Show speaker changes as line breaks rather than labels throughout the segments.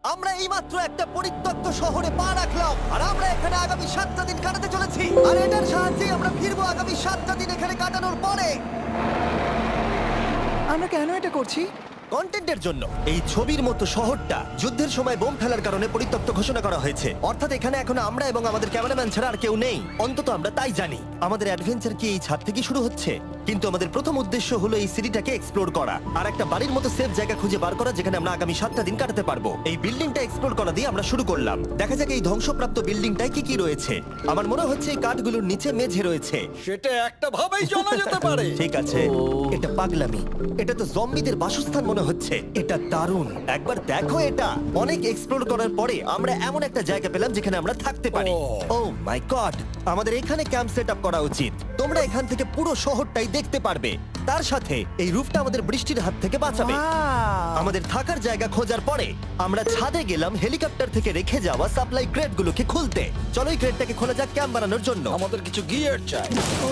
আমরা এইমাত্র একটা পরিত্যক্ত শহরে পা রাখলাম আর আমরা এখানে আগামী 7টা দিন কাটাতে চলেছি আর এটার সাহায্যে আমরা ফিরবো আগামী 7টা দিন এখানে কাটানোর পরে।
আমরা কেন এটা করছি?
কন্টেন্টের জন্য। এই ছবির মতো শহরটা যুদ্ধের সময় বোম ফেলার কারণে পরিত্যক্ত ঘোষণা করা হয়েছে, অর্থাৎ এখানে এখন আমরা এবং আমাদের ক্যামেরাম্যান ছাড়া আর কেউ নেই, অন্তত আমরা তাই জানি। আমাদের অ্যাডভেঞ্চার কি এই ছাদ থেকে শুরু হচ্ছে? কিন্তু আমাদের প্রথম উদ্দেশ্য হলো এই সিটিটাকে এক্সপ্লোর করা আর একটা বাড়ির মতো সেফ জায়গা খুঁজে বার করা যেখানে আমরা আগামী 7টা দিন কাটাতে পারবো। এই বিল্ডিংটা এক্সপ্লোর করা দিয়ে আমরা শুরু করলাম। দেখা যাক এই ধ্বংসপ্রাপ্ত বিল্ডিংটায় কি কি রয়েছে। আমার মনে হচ্ছে এই কাঠগুলোর নিচে মেঝে রয়েছে।
সেটা একটা ভাবেই জানা যেতে পারে।
ঠিক আছে, এটা পাগলামি। এটা তো জম্বিদের বাসস্থান মনে হচ্ছে। এটা দারুণ, একবার দেখো এটা। অনেক এক্সপ্লোর করার পরে আমরা এমন একটা জায়গা পেলাম যেখানে আমরা থাকতে পারি। ও মাই গড, আমাদের এখানে ক্যাম্প সেট আপ করা উচিত। তোমরা এখান থেকে পুরো শহরটাই দেখতে পারবে। তার সাথে এই রুফটা আমাদের বৃষ্টির হাত থেকে বাঁচাবে।
Wow!
আমাদের থাকার জায়গা খোঁজার পরে আমরা ছাদে গেলাম হেলিকপ্টার থেকে রেখে যাওয়া সাপ্লাই ক্রেটগুলোকে খুলতে। চলো এই ক্রেটটাকে খোলা যাক ক্যাম্প বানানোর জন্য।
আমাদের কিছু গিয়ার চাই।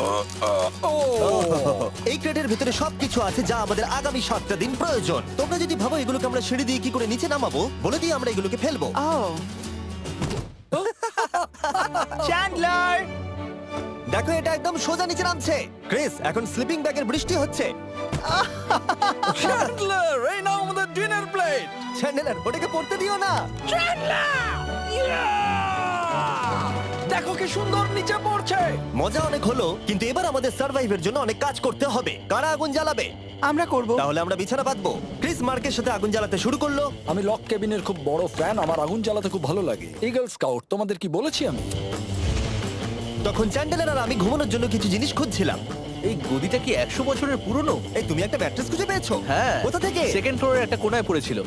এই ক্রেটের ভিতরে সবকিছু আছে যা আমাদের আগামী 7টা দিন প্রয়োজন। তোমরা যদি ভাবো এগুলোকে আমরা সিঁড়ি দিয়ে কি করে নিচে নামাবো, বলে দিয়ে আমরা এগুলোকে ফেলবো।
Oh! চ্যান্ডলার!
দেখো এটা একদম সোজা নিচে নামছে। ক্রিস, এখন স্লিপিং ব্যাগের বৃষ্টি হচ্ছে।
চ্যান্ডলার, এই নাও আমাদের ডিনার প্লেট।
চ্যান্ডেলার, ওটাকে পড়তে দিও না।
দেখো কি সুন্দর নিচে পড়ছে।
মজা অনেক হলো, কিন্তু এবার আমাদের সার্ভাইভের জন্য অনেক কাজ করতে হবে। কারা আগুন জ্বালাবে?
আমরা করব।
তাহলে আমরা বিছানা বাঁধবো। ক্রিস মার্কের সাথে আগুন জ্বালাতে শুরু করলো।
আমি লক কেবিনের খুব বড় ফ্যান, আমার আগুন জ্বালাতে খুব ভালো লাগে। ইগল স্কাউট, তোমাদের কি বলেছি আমি?
তখন চ্যান্ডেলার আর আমি ঘুমানোর জন্য কিছু জিনিস খুঁজছিলাম।
এই গদিটা কি 100 বছরের পুরনো?
এই তুমি একটা ম্যাট্রেস খুঁজে পেয়েছো?
হ্যাঁ।
কোথা থেকে?
সেকেন্ড ফ্লোরের একটা কোণায় পড়েছিল।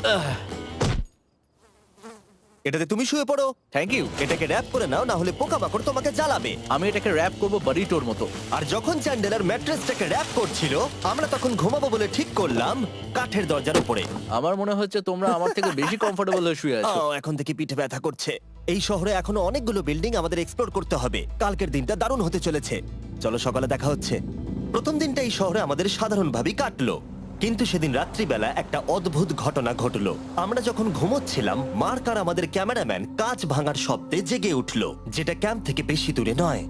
এটাতে তুমি শুয়ে পড়ো।
Thank you.
এটাকে র‍্যাপ করে নাও, না হলে পোকামাকড় তোমাকে জ্বালাবে।
আমি এটাকে র‍্যাপ করব বারিটোর মতো।
আর যখন চ্যান্ডেলার ম্যাট্রেসটাকে র‍্যাপ করছিল, আমরা তখন ঘুমাবো বলে ঠিক করলাম কাঠের দরজার উপরে।
আমার মনে হচ্ছে তোমরা আমার থেকে বেশি কমফোর্টেবল হয়ে শুয়ে আছো।
এখন থেকে পিঠে ব্যথা করছে। এই শহরে এখনো অনেকগুলো বিল্ডিং আমাদের এক্সপ্লোর করতে হবে। কালকের দিনটা দারুণ হতে চলেছে। চলো সকালে দেখা হচ্ছে। প্রথম দিনটা এই শহরে আমাদের সাধারণভাবেই কাটলো, কিন্তু সেদিন রাত্রিবেলা একটা অদ্ভুত ঘটনা ঘটলো। আমরা যখন ঘুমোচ্ছিলাম, মার্ক আর আমাদের ক্যামেরাম্যান কাঁচ ভাঙার শব্দে জেগে উঠলো, যেটা ক্যাম্প থেকে বেশি দূরে নয়।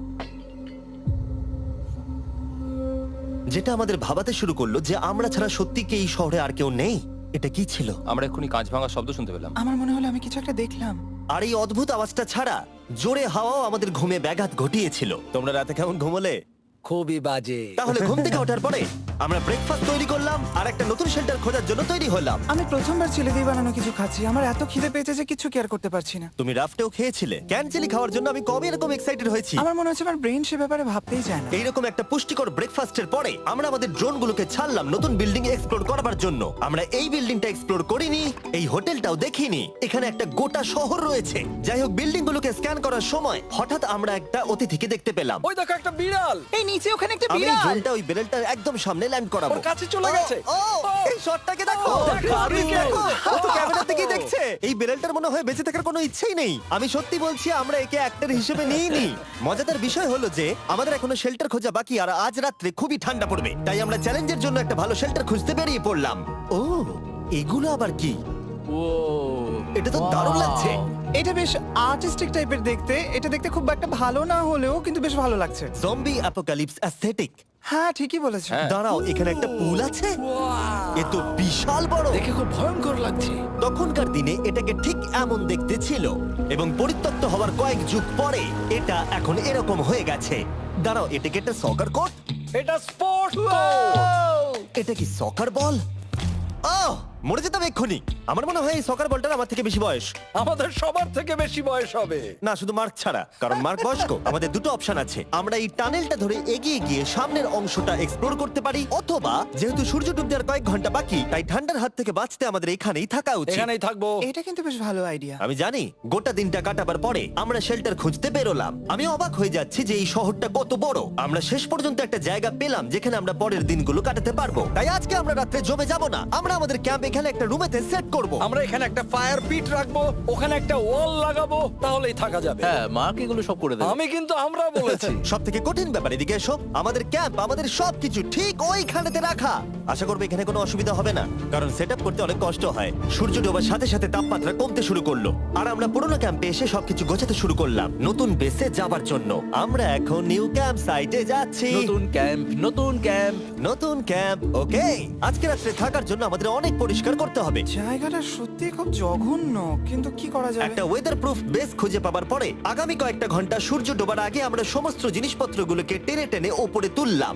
যেটা আমাদের ভাবাতে শুরু করলো যে আমরা ছাড়া সত্যি কি এই শহরে আর কেউ নেই। এটা কি ছিল?
আমরা এক্ষুনি কাঁচ ভাঙার শব্দ শুনতে পেলাম।
আমার মনে হলো আমি কিছু একটা দেখলাম।
আর এই অদ্ভুত আওয়াজটা ছাড়া জোরে হাওয়াও আমাদের ঘুমে ব্যাঘাত ঘটিয়েছিল। তোমরা রাতে কেমন ঘুমোলে?
খুবই বাজে।
তাহলে ঘুম থেকে ওঠার পরে আমরা ব্রেকফাস্ট তৈরি করলাম আর একটা নতুন শেল্টার খোঁজার জন্য তৈরি হলাম।
আমি প্রথমবার ছেলে দিয়ে বানানো কিছু খাচ্ছি। আমার এত খিদে পেয়েছে যে কিছু কেয়ার করতে পারছি না।
তুমি রাফটেও খেয়েছিলে। ক্যানচেলি খাওয়ার জন্য আমি কবে এরকম এক্সাইটেড হয়েছি।
আমার মনে হচ্ছে আমার ব্রেন সে ব্যাপারে ভাবতেই চায় না।
এইরকম একটা পুষ্টিকর ব্রেকফাস্টের পরে আমরা আমাদের ড্রোনগুলোকে ছাড়লাম নতুন বিল্ডিং এক্সপ্লোর করার জন্য। আমরা এই বিল্ডিংটা এক্সপ্লোর করিনি, এই হোটেলটাও দেখিনি। এখানে একটা গোটা শহর রয়েছে। যাই হোক, বিল্ডিংগুলোকে স্ক্যান করার সময় হঠাৎ আমরা একটা অতিথিকে দেখতে পেলাম।
ওই দেখো একটা বিড়াল।
এই নিচে ওখানে একটা
আমি এই
বিড়াল।
ড্রোনটা ওই বেরেলটার একদম সামনে ল্যান্ড করাবো।
ওর কাছে চলে গেছে।
ও, এই শটটাকে দেখো।
দেখো,
আপনি কি
দেখো।
ও তো ক্যামেরা থেকেই দেখছে। এই বেরেলটার মনে হয় বেঁচে থাকার কোনো ইচ্ছেই নেই। আমি সত্যি বলছি, আমরা একে অ্যাক্টর হিসেবে নিইনি। মজাদার বিষয় হলো যে আমাদের এখনো শেল্টার খোঁজা বাকি, আর আজ রাত্রে খুবই ঠান্ডা পড়বে। তাই আমরা চ্যালেঞ্জের জন্য একটা ভালো শেল্টার খুঁজতে বেরিয়ে পড়লাম। ও, এগুলো আবার কি?
ও,
এটা তো দারুণ লাগছে।
এটা বেশ আর্টিস্টিক টাইপের দেখতে। এটা দেখতে খুব একটা ভালো না হলেও কিন্তু বেশ ভালো লাগছে।
Zombie apocalypse aesthetic.
হ্যাঁ, ঠিকই বলেছো।
দাঁড়াও, এখানে একটা পুল আছে। এ তো বিশাল বড়।
দেখে খুব ভয়ঙ্কর লাগছে।
তখনকার দিনে এটাকে ঠিক এমন দেখতে ছিল, এবং পরিত্যক্ত হওয়ার কয়েক যুগ পরে এটা এখন এরকম হয়ে গেছে। দাঁড়াও, এটাকে একটা সকার কোর্ট?
এটা স্পোর্টস
এটা কি সকার বল? আহ, মরে যেতাম এক্ষুনি। আমার মনে হয় এই সকার বলটার আমার থেকে বেশি বয়স।
আমাদের সবার থেকে বেশি বয়স হবে।
না, শুধু মার্ক ছাড়া, কারণ মার্ক বয়স্ক। আমাদের দুটো অপশন আছে। আমরা এই টানেলটা ধরে এগিয়ে গিয়ে সামনের অংশটা এক্সপ্লোর করতে পারি, অথবা যেহেতু সূর্য ডুবতে আর কয়েক ঘন্টা বাকি, তাই ঠান্ডার হাত থেকে বাঁচতে আমাদের এখানেই থাকা উচিত।
এখানেই থাকবো।
এটা কিন্তু বেশ ভালো আইডিয়া।
আমি জানি। গোটা দিনটা কাটাবার পরে আমরা শেল্টার খুঁজতে বেরোলাম। আমি অবাক হয়ে যাচ্ছি যে এই শহরটা কত বড়। আমরা শেষ পর্যন্ত একটা জায়গা পেলাম যেখানে আমরা পরের দিনগুলো কাটাতে পারবো। তাই আজকে আমরা রাত্রে জমে যাব না। আমরা আমাদের ক্যাম্প এখানে একটা রুমেতে সেট করব।
আমরা এখানে একটা ফায়ার পিট রাখবো, ওখানে একটা ওয়াল লাগাবো, তাহলেই থাকা যাবে।
হ্যাঁ, মার্ক এগুলো সব করে দেবে।
আমি কিন্তু আমরা বলেছি।
সব থেকে কঠিন ব্যাপার, এদিকে এসো। আমাদের ক্যাম্প, আমাদের সবকিছু ঠিক ওইখানেতে রাখা। আশা করবো এখানে কোনো অসুবিধা হবে না, কারণ সেটআপ করতে অনেক কষ্ট হয়। সূর্য ডোবার সাথে সাথে তাপমাত্রা কমতে শুরু করলো, আর আমরা পুরোনো ক্যাম্পে এসে সবকিছু গোছাতে শুরু করলাম নতুন বেসে যাবার জন্য। আমরা এখন নিউ ক্যাম্প সাইটে যাচ্ছি।
নতুন ক্যাম্প, নতুন ক্যাম্প।
নতুন ক্যাম্প, ওকে। আজকে রাত্রে থাকার জন্য আমাদের অনেক পরিষ্কার করতে হবে।
জায়গাটা সত্যি খুব জঘন্য, কিন্তু কি করা যাবে?
একটা ওয়েদার প্রুফ বেস খুঁজে পাবার পরে আগামী কয়েকটা ঘন্টা সূর্য ডোবার আগে আমরা সমস্ত জিনিসপত্রগুলোকে টেনে টেনে ওপরে তুললাম।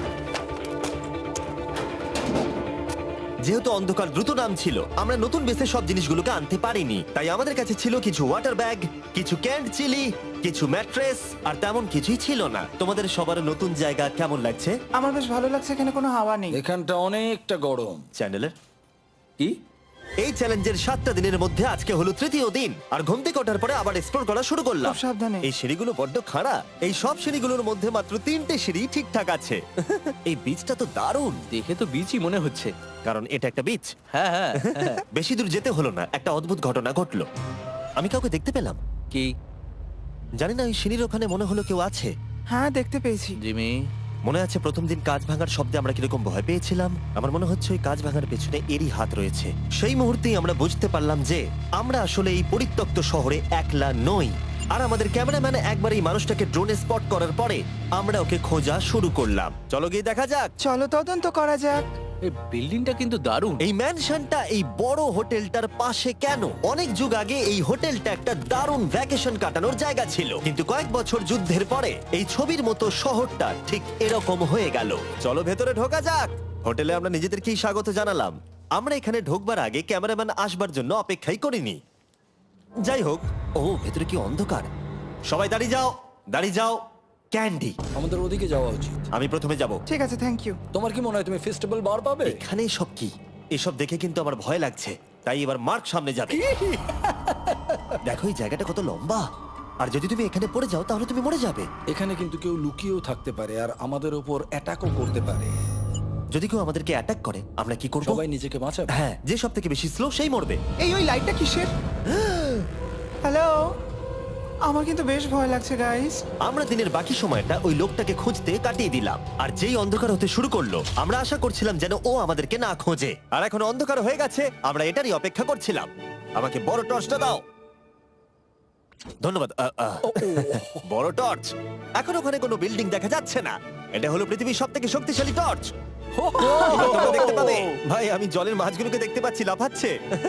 যেহেতু অন্ধকার দ্রুত নামছিল, আমরা নতুন বেসে সব জিনিসগুলোকে আনতে পারিনি, তাই আমাদের কাছে ছিল কিছু ওয়াটার ব্যাগ, কিছু ক্যান্ড চিলি, কিছু ম্যাট্রেস, আর তেমন কিছুই ছিল না। তোমাদের সবার নতুন জায়গা কেমন লাগছে?
আমার বেশ ভালো লাগছে, এখানে কোনো হাওয়া নেই।
এখানটা অনেকটা গরম।
চ্যানেলের
কি?
এই চ্যালেঞ্জের 7টা দিনের মধ্যে আজকে হলো তৃতীয় দিন, আর ঘুম থেকে ওঠার পরে আবার এক্সপ্লোর করা শুরু করলাম।
খুব সাবধানে।
এই সিঁড়িগুলো বড্ড খাড়া। এই সব সিঁড়িগুলোর মধ্যে মাত্র 3টে সিঁড়ি ঠিকঠাক আছে। এই বীজটা তো দারুণ,
দেখে তো বিচই মনে হচ্ছে।
কারণ এটা একটা বীজ।
হ্যাঁ হ্যাঁ হ্যাঁ।
বেশি দূর যেতে হলো না, একটা অদ্ভুত ঘটনা ঘটলো। আমি কাউকে দেখতে পেলাম,
কি?
জানি না, ওই সিঁড়ির ওখানে মনে হলো কেউ আছে।
হ্যাঁ, দেখতে পেয়েছি।
জিমি,
মনে আছে প্রথম দিন কাঁচ ভাঙার শব্দে আমরা কিরকম ভয় পেয়েছিলাম? আমার মনে হচ্ছে ওই কাঁচ ভাঙার পেছনে এরই হাত রয়েছে। সেই মুহূর্তেই আমরা বুঝতে পারলাম যে আমরা আসলে এই পরিত্যক্ত শহরে একলা নই। আর আমাদের ক্যামেরাম্যান একবার এই মানুষটাকে ড্রোনে স্পট করার পরে আমরা ওকে খোঁজা শুরু করলাম। চলো গিয়ে দেখা যাক।
চলো তদন্ত করা যাক।
এই বিল্ডিংটা কিন্তু দারুণ।
এই ম্যানশনটা এই বড় হোটেলটার পাশে কেন? অনেক যুগ আগে এই হোটেলটা একটা দারুণ ভ্যাকেশন কাটানোর জায়গা ছিল, কিন্তু কয়েক বছর যুদ্ধের পরে এই ছবির মতো শহরটা ঠিক এরকম হয়ে গেল। চলো ভেতরে ঢোকা যাক। হোটেলে আমরা নিজেদেরকেই স্বাগত জানালাম। আমরা এখানে ঢোকবার আগে ক্যামেরাম্যান আসবার জন্য অপেক্ষাই করিনি। যাই হোক, ও ভেতরে কি অন্ধকার। সবাই দাঁড়িয়ে যাও, দাঁড়িয়ে যাও। ক্যান্ডি,
আমাদের ওদিকে যাওয়া উচিত।
আমি প্রথমে যাব।
ঠিক আছে, থ্যাংক ইউ।
তোমার কি মনে হয় তুমি ফেস্টিভ্যাল বার পাবে?
এখানে সব কি? এসব দেখে কিন্তু আমার ভয় লাগছে, তাই এবার মার্ক সামনে যাবে। দেখো এই জায়গাটা কত লম্বা, আর যদি তুমি এখানে পড়ে যাও তাহলে তুমি মরে যাবে।
এখানে কিন্তু কেউ লুকিয়েও থাকতে পারে আর আমাদের উপর অ্যাটাকও করতে পারে।
যদি কেউ আমাদেরকে অ্যাটাক করে আমরা কি করব?
সবাই নিজেকে বাঁচাবে।
হ্যাঁ, যে সব থেকে বেশি স্লো সেই মরবে।
ওই লাইটটা কিসের? হ্যালো, আমার কিন্তু বেশ ভয় লাগছে গাইস।
আমরা দিনের বাকি সময়টা ওই লোকটাকে খুঁজতে কাটিয়ে দিলাম, আর যেই অন্ধকার হতে শুরু করলো আমরা আশা করছিলাম যেন ও আমাদেরকে না খোঁজে। আর এখন অন্ধকার হয়ে গেছে, আমরা এটারই অপেক্ষা করছিলাম। আমাকে বড় টর্চটা দাও। ধন্যবাদ। বড় টর্চ। এখন ওখানে কোনো বিল্ডিং দেখা যাচ্ছে না। এটা হলো পৃথিবীর সবথেকে শক্তিশালী টর্চ। তোমরা দেখতে পাবে। ভাই, আমি জলের মাছগুলোকে দেখতে পাচ্ছি লাফাচ্ছে।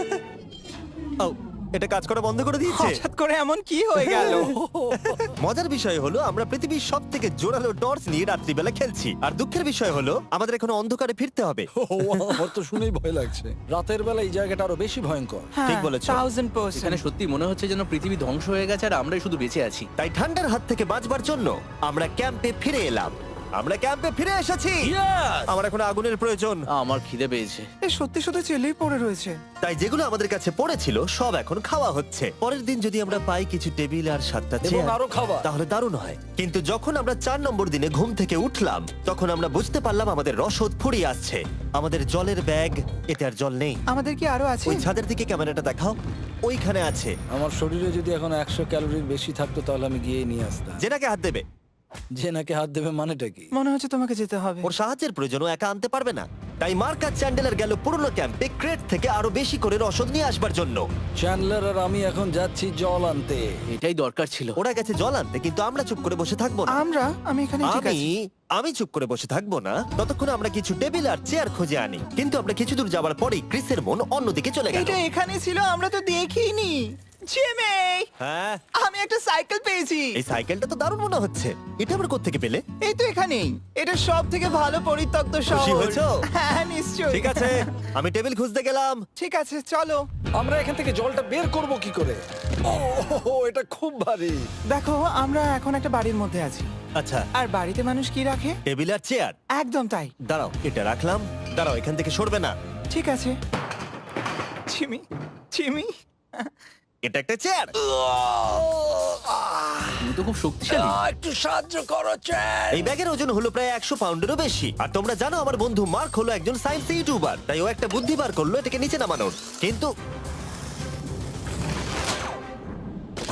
ও, এটা কাজ করা বন্ধ করে দিয়েছে।
হঠাৎ করে এমন কি হয়ে গেল?
মজার বিষয় হলো আমরা পৃথিবীর সব থেকে জোরালো টর্চ নিয়ে রাত্রিবেলা খেলছি, আর দুঃখের বিষয় হলো আমাদের এখন অন্ধকারে ফিরতে হবে।
আমার তো শুনেই ভয় লাগছে। রাতের বেলা এই জায়গাটা আরো বেশি ভয়ঙ্কর।
ঠিক বলেছো।
1000%।
এখানে সত্যি মনে হচ্ছে যেন পৃথিবী ধ্বংস হয়ে গেছে আর আমরাই শুধু বেঁচে আছি।
তাই ঠান্ডার হাত থেকে বাঁচবার জন্য আমরা ক্যাম্পে ফিরে এলাম। আমরা ক্যাম্পে ফিরে এসেছি। আমার এখন আগুনের প্রয়োজন।
আমার খিদে পেয়েছে।
এ সত্যি সত্যি চেলেই পড়ে রয়েছে।
তাই যেগুলো আমাদের কাছে পড়েছিল সব এখন খাওয়া হচ্ছে। পরের দিন যদি আমরা পাই কিছু টেবিল আর 7টা
এবং
চেয়ার,
আরো খাবার।
তাহলে দারুণ হয়। কিন্তু যখন আমরা 4 নম্বর দিনে ঘুম থেকে উঠলাম তখন আমরা বুঝতে পারলাম আমাদের রসদ ফুরিয়ে আসছে। আমাদের জলের ব্যাগ, এতে আর জল নেই।
আমাদের কি আরো আছে?
ওই ছাদের দিকে ক্যামেরাটা দেখাও, ওইখানে আছে।
আমার শরীরে যদি এখন 100 ক্যালোরির বেশি থাকতো তাহলে আমি গিয়ে নিয়ে আসতাম।
জেনাকে হাত দেবে।
যে নাকি হাত দেবে মানেটা কি?
মনে হচ্ছে তোমাকে যেতে হবে।
ওর সাহায্যের প্রয়োজন, ও একা আনতে পারবে না। তাই মার্ক আর চ্যান্ডেলার গেল পুরনো ক্যাম্পে ক্রেট থেকে আরো বেশি করে রসদ নিয়ে আসবার জন্য।
চ্যান্ডলার আর আমি এখন যাচ্ছি জল আনতে।
এটাই দরকার ছিল।
ওরা গেছে জল আনতে, কিন্তু আমরা চুপ করে বসে থাকবো না।
আমি এখানে ঠিক আছি।
আমি চুপ করে বসে থাকবো না ততক্ষণ আমরা কিছু টেবিল আর চেয়ার খুঁজে আনি। কিন্তু আমরা কিছু দূর যাবার পরেই ক্রিসের মন অন্যদিকে চলে গেল।
এটা এখানে ছিল, আমরা তো দেখিনি। জিমি,
হ্যাঁ,
আমি একটা সাইকেল পেয়েছি।
এই সাইকেলটা তো দারুণ মনে হচ্ছে। এটা আমরা কোত্থেকে পেলে?
এই তো এখানেই। এটা সব থেকে ভালো পরিত্যক্ত শহর।
খুশি হয়েছো?
হ্যাঁ, নিশ্চয়ই।
ঠিক আছে, আমি টেবিল খুঁজতে গেলাম।
ঠিক আছে, চলো।
আমরা এখান থেকে জলটা বের করব কি করে? ও, এটা খুব ভারী।
দেখো, আমরা এখন একটা বাড়ির মধ্যে আছি।
আচ্ছা,
আর বাড়িতে মানুষ কি রাখে?
টেবিল আর চেয়ার।
একদম তাই।
দাঁড়াও, এটা রাখলাম। দাঁড়াও, এখান থেকে সরবে না।
ঠিক আছে। চিমি, চিমি।
এটা একটা চেয়ার।
তুমি তো খুব শক্তিশালী।
একটু সাহায্য করো চ্যান।
এই ব্যাগের ওজন হলো প্রায় 100 পাউন্ডেরও বেশি। আর তোমরা জানো আমার বন্ধু মার্ক হলো একজন সায়েন্স ইউটিউবার, তাই ও একটা বুদ্ধি বার করলো এটাকে নিচে নামানোর। কিন্তু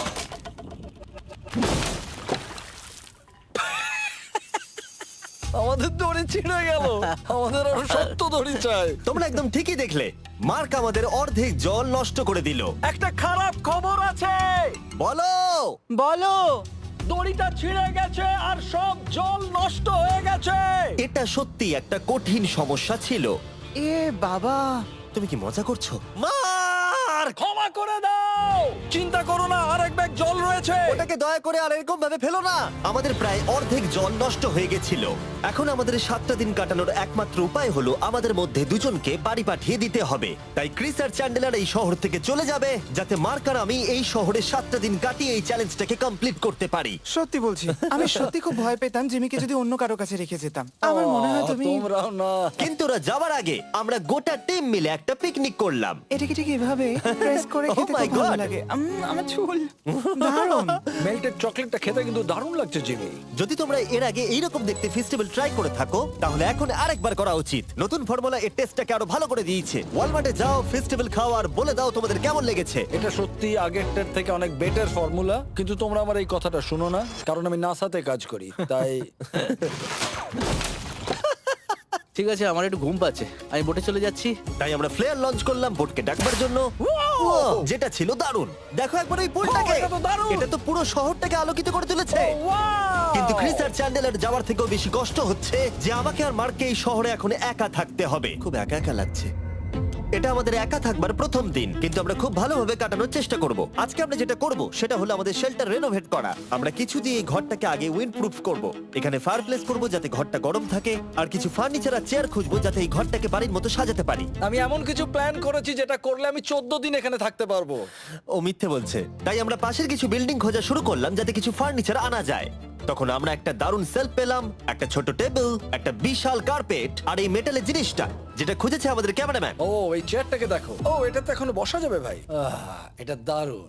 আমাদের আমাদের দড়ি ছিঁড়ে গেল। আমাদের আরো শক্ত দড়ি চাই।
তোমরা একদম ঠিকই দেখলে, মার্ক আমাদের অর্ধেক জল নষ্ট করে দিল।
একটা খারাপ খবর আছে,
বলো।
বলো।
দড়িটা ছিঁড়ে গেছে আর সব জল নষ্ট হয়ে গেছে।
এটা সত্যি একটা কঠিন সমস্যা ছিল।
এ বাবা।
তুমি কি মজা করছো? মার্ক,
ক্ষমা করে দাও, চিন্তা করো না, আর এক ব্যাগ জল রয়েছে।
ওটাকে দয়া করে আর এরকম ভাবে ফেলো না। আমাদের প্রায় অর্ধেক জল নষ্ট হয়ে গেছিল। এখন আমাদের 7টা দিন কাটানোর একমাত্র উপায় হলো আমাদের মধ্যে দুজনকে বাড়ি পাঠিয়ে দিতে হবে। তাই ক্রিস আর চ্যান্ডেলার এই শহর থেকে চলে যাবে, যাতে মার্ক আর আমি এই শহরে 7টা দিন কাটিয়ে এই চ্যালেঞ্জটাকে কমপ্লিট করতে পারি।
সত্যি বলছি, আমি সত্যি খুব ভয় পেতাম জিমিকে যদি অন্য কারো কাছে রেখে যেতাম। আমার মনে হয় তুমি
তোমরাও না।
কিন্তু ওরা যাওয়ার আগে আমরা গোটা টিম মিলে একটা পিকনিক করলাম।
এটাকে ঠিক এভাবে প্রেস করে
Oh
খেতে
my
খুব ভালো
God!
লাগে। আমার চুল দারুণ।
মেল্টেড চকলেটটা খেতে কিন্তু দারুণ লাগছে জিমি।
যদি তোমরা এর আগে এইরকম দেখতে ফেস্টিভ্যাল ট্রাই করে থাকো, তাহলে এখন আরেকবার করা উচিত। নতুন ফর্মুলা এর টেস্টটাকে আরো ভালো করে দিয়েছে। ওয়ালমার্টে যাও, ফেস্টিভ্যাল খাও আর বলে দাও তোমাদের কেমন লেগেছে।
এটা সত্যি আগেরটার থেকে অনেক বেটার ফর্মুলা, কিন্তু তোমরা আমার এই কথাটা শুনো না, কারণ আমি নাসাতে কাজ করি, তাই
ঠিক আছে, আমার একটু ঘুম পাচ্ছে, আমি বোটে চলে যাচ্ছি।
তাই আমরা ফ্লেয়ার লঞ্চ করলাম বোটকে ডাকবার জন্য, যেটা ছিল দারুণ। দেখো একবার ওই পুলটাকে,
এটা তো দারুণ!
এটা তো পুরো শহরটাকে আলোকিত করে তুলেছে। কিন্তু ক্রিস আর চ্যান্ডেলার যাওয়ার থেকেও বেশি কষ্ট হচ্ছে যে আমাকে আর মার্ককে এই শহরে এখন একা থাকতে হবে। খুব একা একা লাগছে। এটা আমাদের একা থাকবার প্রথম দিন, কিন্তু আমরা খুব ভালোভাবে কাটানোর চেষ্টা করব। আজকে আমরা যেটা করব সেটা হলো আমাদের শেল্টার রেনোভেট করা। আমরা কিছু দিয়ে এই ঘরটাকে আগে উইন্ড প্রুফ করব। এখানে ফায়ারপ্লেস করব যাতে ঘরটা গরম থাকে, আর কিছু ফার্নিচার আর চেয়ার খুঁজবো যাতে এই ঘরটাকে বাড়ির মতো সাজাতে পারি।
আমি এমন কিছু প্ল্যান করেছি যেটা করলে আমি 14 দিন এখানে থাকতে পারবো।
ও মিথ্যে বলছে। তাই আমরা পাশের কিছু বিল্ডিং খোঁজা শুরু করলাম যাতে কিছু ফার্নিচার আনা যায়। তখন আমরা একটা দারুণ সেলফ পেলাম, একটা ছোট টেবিল, একটা বিশাল কার্পেট আর এই মেটালের জিনিসটা যেটা খুঁজেছে আমাদের ক্যামেরাম্যান।
ও এই চেয়ারটাকে দেখো, ও এটা তো এখনো বসা যাবে ভাই। এটা দারুণ।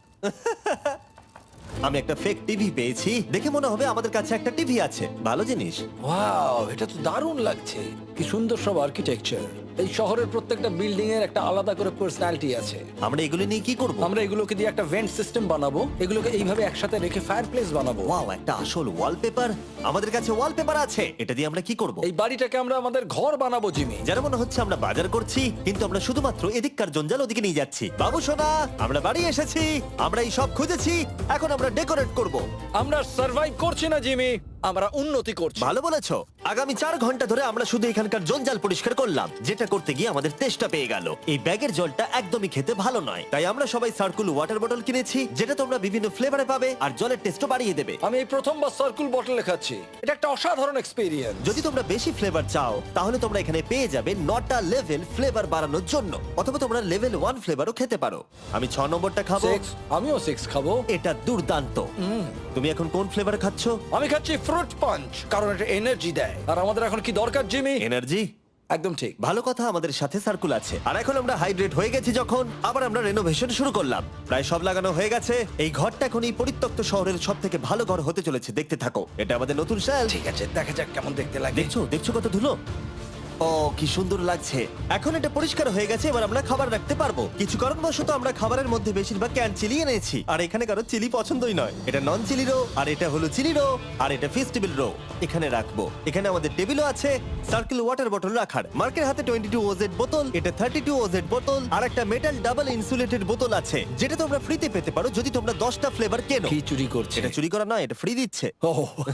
আমি একটা ফেক টিভি পেয়েছি, দেখে মনে হবে আমাদের কাছে একটা টিভি আছে। ভালো জিনিস।
ওয়াও, এটা তো দারুণ লাগছে। কি সুন্দর সব আর্কিটেকচার। এই শহরের প্রত্যেকটা বিল্ডিং এর একটা আলাদা করে পার্সোনালিটি আছে।
আমরা এগুলো নিয়ে কি করব?
আমরা এগুলোকে দিয়ে একটা ভেন্ট সিস্টেম বানাবো, এগুলোকে এইভাবে একসাথে রেখে ফায়ারপ্লেস বানাবো।
ওয়াও, একটা আসল ওয়ালপেপার। আমাদের কাছে ওয়ালপেপার আছে, এটা দিয়ে আমরা কি করব?
এই বাড়িটাকে আমরা আমাদের ঘর বানাবো জিমি।
যারা মনে হচ্ছে আমরা বাজার করছি, কিন্তু আমরা শুধুমাত্র এদিককার জঞ্জাল ওদিকে নিয়ে যাচ্ছি। বাবু সোনা, আমরা বাড়ি এসেছি, আমরা এই সব খুঁজেছি, এখন আমরা ডেকোরেট করব।
আমরা সার্ভাইভ করছি না জিমি, আমরা উন্নতি করছি।
ভালো বলেছো। আগামী 4 ঘন্টা ধরে আমরা শুধু এখানকার জঞ্জাল পরিষ্কার করলাম, যেটা করতে গিয়ে আমাদের তেষ্টা পেয়ে গেল। এই ব্যাগের জলটা একদমই খেতে ভালো নয়, তাই আমরা সবাই সার্কুল ওয়াটার বটল কিনেছি, যেটা তোমরা বিভিন্ন ফ্লেভারে পাবে আর জলের টেস্টও বাড়িয়ে দেবে।
আমি এই প্রথমবার সার্কুল বটল খাচ্ছি, এটা একটা অসাধারণ এক্সপেরিয়েন্স।
যদি তোমরা বেশি ফ্লেভার চাও, তাহলে তোমরা এখানে পেয়ে যাবে 9টা লেভেল ফ্লেভার বাড়ানোর জন্য, অথবা তোমরা লেভেল 1 ফ্লেভারও খেতে পারো। আমি 6 নম্বরটা খাবো।
আমিও 6 খাবো।
এটা দুর্দান্ত। তুমি এখন কোন ফ্লেভার খাচ্ছো?
আমি খাচ্ছি ফ্রুট পাঞ্চ, কারণ এটা এনার্জি দেয়। আর আমাদের এখন কি দরকার জিমি?
এনার্জি।
একদম ঠিক।
ভালো কথা, আমাদের সাথে সার্কুল আছে। আর এখন আমরা হাইড্রেট হয়ে গেছি যখন, আবার আমরা রেনোভেশন শুরু করলাম। প্রায় সব লাগানো হয়ে গেছে। এই ঘরটা এখন এই পরিত্যক্ত শহরের সব থেকে ভালো ঘর হতে চলেছে। দেখতে থাকো, এটা আমাদের নতুন শেল।
ঠিক আছে, দেখা যাক কেমন দেখতে লাগে।
দেখছো দেখছো কত ধুলো। ও কি সুন্দর লাগছে। এখন এটা পরিষ্কার হয়ে গেছে, এবার আমরা খাবার রাখতে পারবো। কিছু কারণবশত আমরা খাবারের মধ্যে বেশিরভাগ ক্যান চিলি এনেছি, আর এখানে কারো চিলি পছন্দই নয়। এটা নন চিলি রো, আর এটা হলো চিলি রো, আর এটা ফেস্টিভ্যাল রো। এখানে রাখবো। এখানে আমাদের টেবিলও আছে, সার্কেল ওয়াটার বটল রাখার। মার্কের হাতে 22 ওজেড বোতল, এটা 32 ওজেড বোতল, আর একটা মেটাল ডাবল ইনসুলেটেড বোতল আছে, যেটা তোমরা ফ্রিতে পেতে পারো যদি তোমরা 10টা ফ্লেভার কেনো।
কি চুরি করছে?
এটা চুরি করা নয়, এটা ফ্রি দিচ্ছে।
ও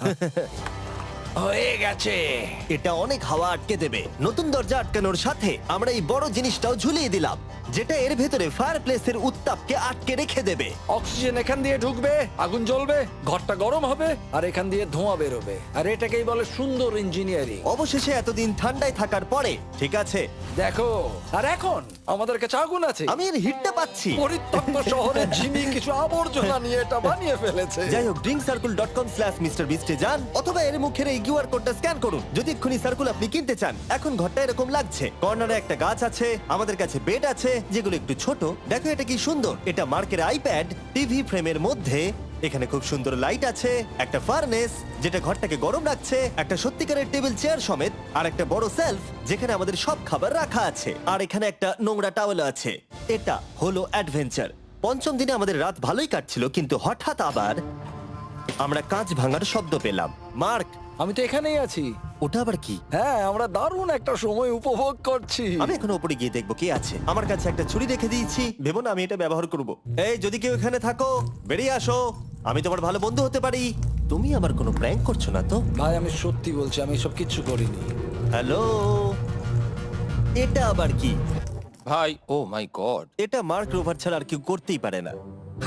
হয়ে গেছে।
এটা অনেক হাওয়া আটকে দেবে। নতুন দরজা আটকানোর সাথে আমরা এই বড় জিনিসটাও ঝুলিয়ে দিলাম, যেটা এর ভেতরে ফায়ারপ্লেসের উত্তাপকে আটকে রেখে দেবে।
অক্সিজেন এখান দিয়ে ঢুকবে, আগুন জ্বলবে, ঘরটা গরম হবে, আর এখান দিয়ে ধোঁয়া বেরোবে। আর এটাকেই বলে সুন্দর ইঞ্জিনিয়ারিং।
অবশেষে এতদিন ঠান্ডায় থাকার পরে ঠিক আছে।
দেখো, আর এখন আমাদের কাছে আগুন আছে।
আমি এর হিটটা পাচ্ছি।
পরিত্যক্ত শহরে জিমি কিছু আবর্জনা নিয়ে এটা বানিয়ে ফেলেছে।
যাই হোক, drinkcircle.com/MrBeast এ যান, অথবা এর মুখের এই কিউআর কোডটা স্ক্যান করুন যদি এক্ষুনি সার্কুল আপনি কিনতে চান। এখন ঘরটা এরকম লাগছে। কর্নারে একটা গাছ আছে, আমাদের কাছে বেড আছে যেগুলো একটু ছোট। দেখো এটা কি সুন্দর। এটা মার্কের আইপ্যাড টিভি ফ্রেমের মধ্যে। এখানে খুব সুন্দর লাইট আছে, একটা ফার্নেস যেটা ঘরটাকে গরম রাখছে, একটা সত্যিকারের টেবিল চেয়ার সমেত, আর একটা বড় সেলফ যেখানে আমাদের সব খাবার রাখা আছে, আর এখানে একটা নোংরা টাওয়েল আছে। এটা হলো অ্যাডভেঞ্চার। পঞ্চম দিনে আমাদের রাত ভালোই কাটছিল, কিন্তু হঠাৎ আবার আমরা কাঁচ ভাঙার শব্দ পেলাম। মার্ক,
আমি তো এখানেই আছি।
ওটা আবার কি?
হ্যাঁ, আমরা দারুণ একটা সময় উপভোগ করছি।
আমি এখন উপরে গিয়ে দেখবো কি আছে। আমার কাছে একটা ছুরি রেখে দিয়েছি, ভেবো না আমি এটা ব্যবহার করব। এই যদি কেউ এখানে থাকো বেরিয়ে আসো, আমি তোমার ভালো বন্ধু হতে পারি। তুমি আমার কোনো প্র্যাঙ্ক করছো না তো?
ভাই আমি সত্যি বলছি, আমি সব কিচ্ছু করিনি।
হ্যালো, এটা আবার কি?
ভাই ও মাই গড,
এটা মার্ক রোভার ছাড়া আর কেউ করতেই পারে না।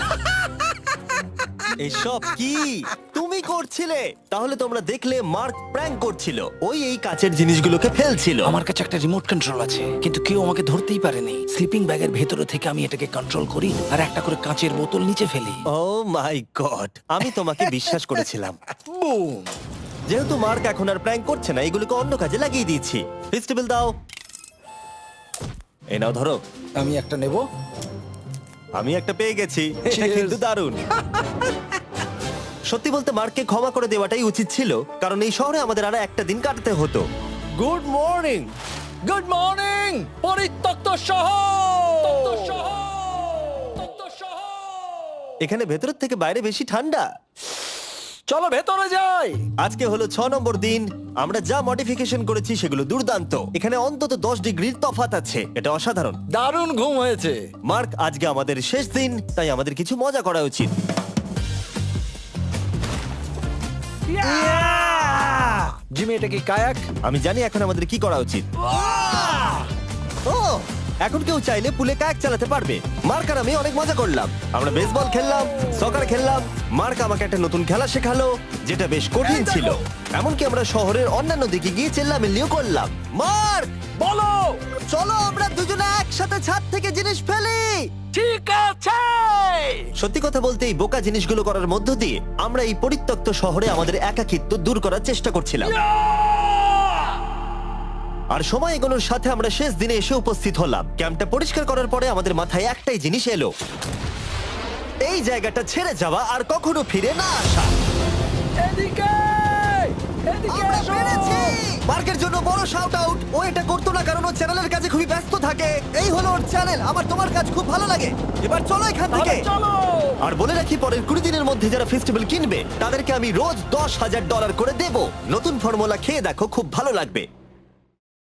এসব কি তুমি করছিলে? তাহলে তোমরা দেখলে মার্ক প্র্যাঙ্ক করছিল। ওই এই কাচের জিনিসগুলোকে ফেলছিল।
আমার কাছে একটা রিমোট কন্ট্রোল আছে, কিন্তু কেউ আমাকে ধরতেই পারেনি। স্লিপিং ব্যাগের ভেতরে থেকে আমি এটাকে কন্ট্রোল করি আর একটা করে কাঁচের বোতল নিচে ফেলি।
ও মাই গড, আমি তোমাকে বিশ্বাস করেছিলাম।
বুম!
যেহেতু মার্ক এখন আর প্র্যাঙ্ক করছে না, এগুলোকে অন্য কাজে লাগিয়ে দিয়েছি। ফেস্টিভ্যাল দাও। এই নাও ধরো।
আমি একটা নেব।
আমি একটা পেয়ে গেছি। এটা
Cheers!
কিন্তু দারুণ। সত্যি বলতে মার্ককে ক্ষমা করে দেওয়াটাই উচিত ছিল, কারণ এই শহরে আমাদের আর একটা দিন কাটাতে হতো। Good morning.
গুড মর্নিং পরিত্যক্ত শহর।
এখানে ভেতরের থেকে বাইরে বেশি ঠান্ডা।
চলো ভেতরে যাই।
আজকে হলো 6 নম্বর দিন। আমরা যা মডিফিকেশন করেছি সেগুলো দুর্দান্ত। এখানে অন্তত 10 ডিগ্রির তফাৎ আছে, এটা অসাধারণ।
দারুণ ঘুম হয়েছে।
মার্ক, আজকে আমাদের শেষ দিন, তাই আমাদের কিছু মজা করা উচিত।
জিমি, এটা কি কায়াক?
আমি জানি এখন আমাদের কি করা উচিত। ও, এখন কেউ চাইলে পুলে কায়াক চালাতে পারবে। মার্ক আর আমি অনেক মজা করলাম। আমরা বেসবল খেললাম, সকার খেললাম। মার্ক আমাকে একটা নতুন খেলা শেখালো, যেটা বেশ কঠিন ছিল। এমনকি আমরা শহরের অন্যান্য দিকে গিয়ে চেল্লামিল্লিও করলাম। মার্ক,
বলো।
চলো আমরা দুজনে একসাথে ছাদ থেকে জিনিস ফেলি।
ঠিক আছে।
সত্যি কথা বলতে এই বোকা জিনিসগুলো করার মধ্য দিয়ে আমরা এই পরিত্যক্ত শহরে আমাদের একাকিত্ব দূর করার চেষ্টা করছিলাম। আর সময় এগোনোর সাথে আমরা শেষ দিনে এসে উপস্থিত হলাম। ক্যাম্পটা পরিষ্কার করার পরে আমাদের মাথায় একটাই জিনিস এলো, এই জায়গাটা ছেড়ে যাওয়া আর কখনো ফিরে না আসা।
এদিকে এদিকে
আমরা
এসো।
পেরেছি! মার্কের জন্য বড় শাউট আউট। ও এটা করতো না কারণ ও চ্যানেলের কাছে খুবই ব্যস্ত থাকে। এই হলো ওর চ্যানেল। আমার তোমার কাজ খুব ভালো লাগে। এবার চলো এখান থেকে।
তাহলে চলো।
আর বলে রাখি, পরের 20 দিনের মধ্যে যারা ফেস্টিভ্যাল কিনবে তাদেরকে আমি রোজ $10,000 করে দেব। নতুন ফর্মুলা খেয়ে দেখো, খুব ভালো লাগবে।